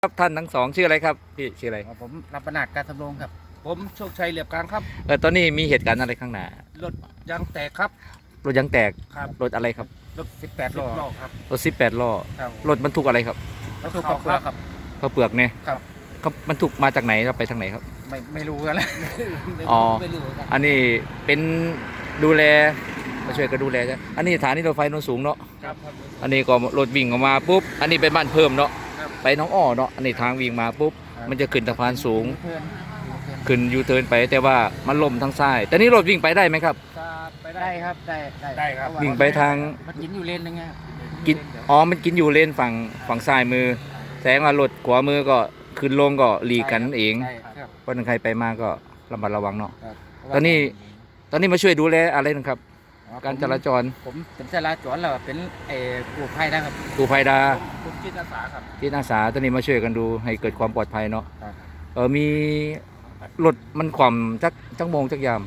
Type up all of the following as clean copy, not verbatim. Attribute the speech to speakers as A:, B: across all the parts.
A: ครับท่านทั้งสองชื่ออะไรครับพี่ชื่ออะไร
B: ผมรับประนาดการทำรงครับ
C: ผมโชคชัยเหลียบกลางครับ
A: ตอนนี้มีเหตุการณ์อะไรข้างหน้าร
C: ถยางแตกครับ
A: รถยางแตก
C: ครับ
A: รถอะไรครับ
B: รถ18 ล้อ
C: ล้อครับ
A: รถ18 ล้อ
B: ครับ
A: รถบรรทุกอะไรครับ
B: รถตู้กระเพื่อครับ
A: ข้าวเปลือกเนี่ย
B: ครับ
A: เขาบรรทุกมาจากไหนครับไปทางไหนครับ
B: ไม่รู้กันแล้ว
A: อ๋อ
C: ไม่รู้ครับ
A: อันนี้เป็นดูแลมาช่วยกันดูแลใช่อันนี้สถานีรถไฟโนนสูงเนาะ
C: ครับครับ
A: อันนี้ก็รถวิ่งออกมาปุ๊บอันนี้เป็นบ้านเพิ่มเนาะ
C: ครับ
A: ไปหน้องอ้อเนาะอันนี้ทางวิ่งมาปุ๊บมันจะขึ้นสะพานสูง
B: เพื่อน
A: ขึ้นยูเทิร์นไปแต่ว่ามันล่มทางซ้ายแต่นี่รถวิ่งไปได้ไหมครับ
C: ไป
B: ได้ครับได้
C: ได้ครับ
A: วิ่งไปทาง
B: มันกินอยู่เลนนึงไง
A: กินมันกินอยู่เลนฝั่งซ้ายมือแสดงว่ารถขวามือก็ขึ้นลงก็หลีกกันเอง
B: ใช่ครับ
A: เพราะฉะนั้นใครไปมาก็ระมัดระวังเนาะ
B: ครับ
A: ตอนนี้มาช่วยดูแลอะไรนะครับ การจราจร
B: ผมเป็นจราจรแล้วเป็นกู้ภัยนะครับ
A: กู้ภัยดา
C: ผมจิตอาสาครับ
A: จิตอาสาตอนนี้มาช่วยกันดูให้เกิดความปลอดภัยเนาะ
B: ครับ
A: มีรถมันขวำจักโมงจักยาม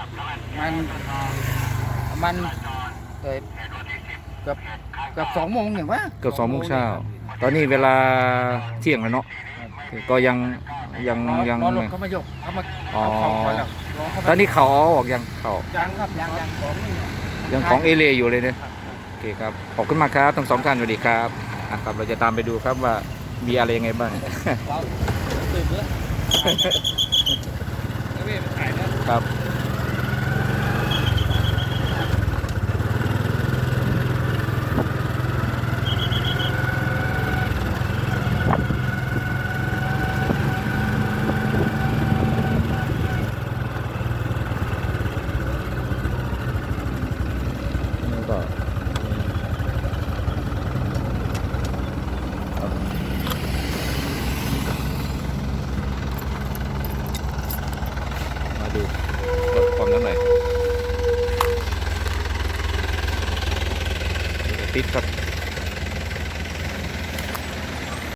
B: มันเกือบ2 โมงอย่างวะ
A: เกือบ2 โมงเช้าตอนนี้เวลาเที่ยงแล้วเนาะก็ยัง
B: รอรถเขามายกเขามา
A: อ๋อ
B: เอาของไปแล้วรเข้า
A: ตอนนี้เขาเอาออกยังเขา
B: ยังครับยังของนี่
A: ยังของเอเลียอยู่เลยเนี่ยโอเคครับขอบคุณมากครับทั้งสองท่านสวัสดีครับครับเราจะตามไปดูครับว่ามีอะไรยังไงบ้าง
C: เราตื่นเมื่อแล้วเว้ยมันถ่ายแล้ว
A: ครับนี่ก็มาดูลดความน้ำหน่อยติดครับ